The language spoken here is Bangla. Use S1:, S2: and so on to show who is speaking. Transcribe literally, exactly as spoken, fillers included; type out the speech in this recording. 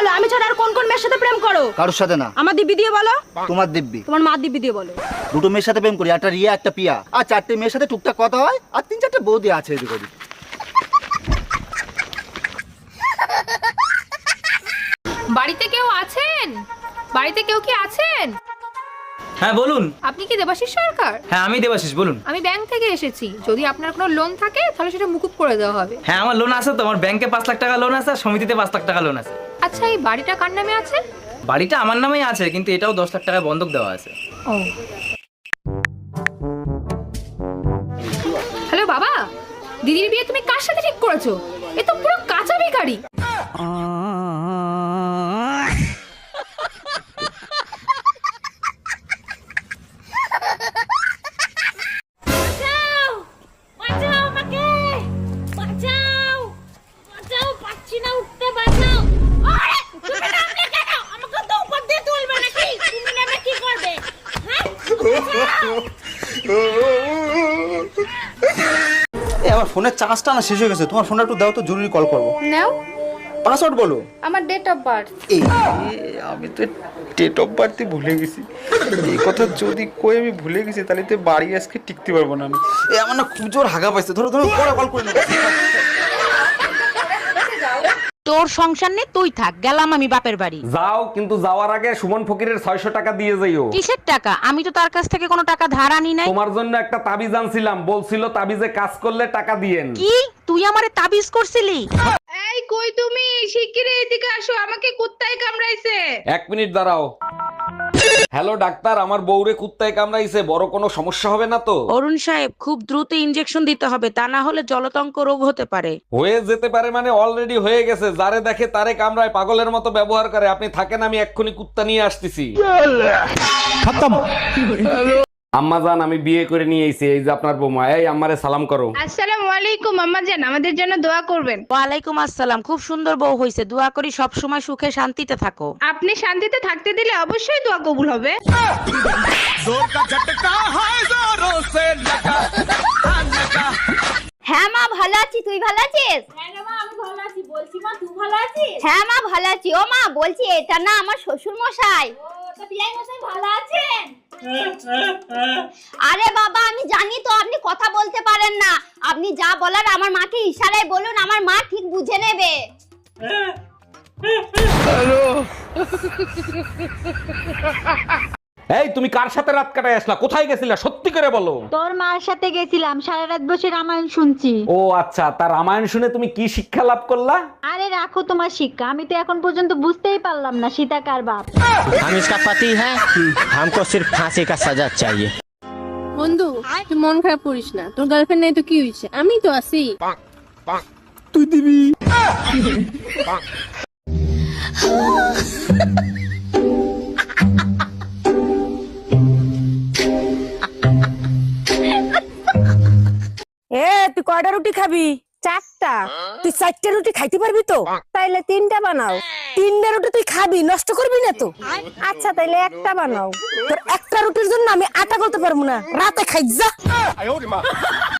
S1: বলো, আমি ছাড়া আর কোন কোন মেয়ের সাথে প্রেম করো?
S2: কারোর সাথে না।
S1: আমার দিব্যি দিয়ে বলো।
S2: তোমার দিব্যি।
S1: তোমার মা দিব্যি দিয়ে বলো।
S2: দুটো মেয়ের সাথে প্রেম করি, একটা রিয়া একটা পিয়া, আর চারটে মেয়ের সাথে টুকটাক কথা হয়, আর তিন চারটে বৌদি আছে এদিক ওদিক।
S3: বাড়িতে কেউ আছেন? বাড়িতে কেউ কি আছেন?
S4: হ্যাঁ বলুন।
S3: আপনি কি দেবাশিস সরকার?
S4: হ্যাঁ আমি দেবাশিস, বলুন।
S3: আমি ব্যাংক থেকে এসেছি, যদি আপনার কোনো লোন থাকে তাহলে সেটা মুকুব করে দেওয়া হবে।
S4: হ্যাঁ আমার লোন আছে তো, আমার ব্যাংকে পাঁচ লাখ টাকা লোন আছে, আর সমিতিতে পাঁচ লাখ টাকা লোন আছে।
S3: আচ্ছা, এই বাড়িটা কার নামে আছে?
S4: বাড়িটা আমার নামেই আছে, কিন্তু এটাও দশ লাখ টাকা বন্ধক দেওয়া আছে।
S3: ও, হ্যালো বাবা, দিদির বিয়ে তুমি কার সাথে ঠিক করেছো? এ তো পুরো কাঁচা ভিখারি।
S2: আমার ফোনের চার্জটা না শেষ হয়ে গেছে, তোমার ফোনটা একটু দাও তো, জরুরি কল করবো।
S3: নাও,
S2: পাসওয়ার্ড বলো।
S3: আমার ডেট অফ বার্থ।
S2: এই আমি তো ডেট অফ বার্থই ভুলে গেছি। এই কথা যদি কই আমি ভুলে গেছি, তাহলে তো বাড়ি আজকে টিকতে পারবো না আমি। এই আমার না খুব জোর হাগা পাইছে, ধরো ধরো পরে কল করে নেবো।
S5: তোর সংসার নেই, তুই থাক, গেলাম আমি বাপের বাড়ি।
S6: যাও, কিন্তু যাওয়ার আগে সুমন ফকিরের ছয়শ টাকা দিয়ে যাইও।
S5: কিসের টাকা? আমি তো তার কাছ থেকে কোনো টাকা ধার আনি নাই।
S6: তোমার জন্য একটা তাবিজ আনছিলাম, বলছিল তাবিজে কাজ করলে টাকা দিয়েন।
S5: কি তুই আমারে তাবিজ করছিলি?
S3: এই কই তুমি? শিগগিরই এদিকে আসো, আমাকে কুত্তায় কামড়াইছে।
S6: এক মিনিট দাঁড়াও। হ্যালো ডাক্তার, আমার বউরে কুত্তায় কামড়াইছে, বড় কোনো সমস্যা হবে না তো?
S5: অরুণ সাহেব, খুব দ্রুত ইনজেকশন দিতে হবে, তা না হলে জলতঙ্ক রোগ হতে পারে।
S6: হয়ে যেতে পারে মানে অলরেডি হয়ে গেছে। যারে দেখে তারে কামড়ায়, পাগলের মতো ব্যবহার করে। আপনি থাকেন, আমি এক্ষুনি কুত্তা নিয়ে আসতেছি। আম্মা জান, আমি বিয়ে করে নিয়ে এসেছি, এই যে আপনার বৌমা। এই আম্মারে সালাম করো।
S3: আসসালামু আলাইকুম আম্মা জান, আমাদের জন্য দোয়া করবেন।
S5: ওয়ালাইকুম আসসালাম। খুব সুন্দর বউ হইছে, দোয়া করি সব সময় সুখে শান্তিতে থাকো।
S3: আপনি শান্তিতে থাকতে দিলে অবশ্যই দোয়া কবুল হবে।
S7: হ্যাঁ মা ভালো আছি, তুই ভালো আছিস? হ্যাঁ মা ভালো আছি। ও মা বলছি, এটা না আমার শ্বশুর মশাই। আরে বাবা আমি জানি তো আপনি কথা বলতে পারেন না, আপনি যা বলার আমার মাকে ইশারায় বলুন, আমার মা ঠিক বুঝে নেবে।
S6: এই তুমি কার সাথে রাত কাটায় আসলা? কোথায় গেছিলা? সত্যি করে বলো।
S8: তোর মার সাথে গেছিলাম, সারা রাত বসে রামায়ণ শুনছি।
S6: ও আচ্ছা, তার রামায়ণ শুনে তুমি কি শিক্ষা লাভ করলা?
S8: আরে রাখো তোমার শিক্ষা, আমি তো এখন পর্যন্ত বুঝতেই পারলাম না সীতা কার বাপ।
S9: हम इसका पति है, हमको सिर्फ फांसी का सजा चाहिए।
S10: বন্ধু, তুই মন খারাপ করিস না, তোর গার্লফ্রেন্ড নাই তো কি হয়েছে, আমি তো আছি।
S2: তুই দিবি।
S1: এ তুই কয়টা রুটি খাবি? চারটা। তুই চারটা রুটি খাইতে পারবি তো? তাইলে তিনটা বানাও। তিনটা রুটি তুই খাবি, নষ্ট করবি না তো? আচ্ছা তাইলে একটা বানাও। তোর একটা রুটির জন্য আমি আটা করতে পারবো না, রাতে খাই যা।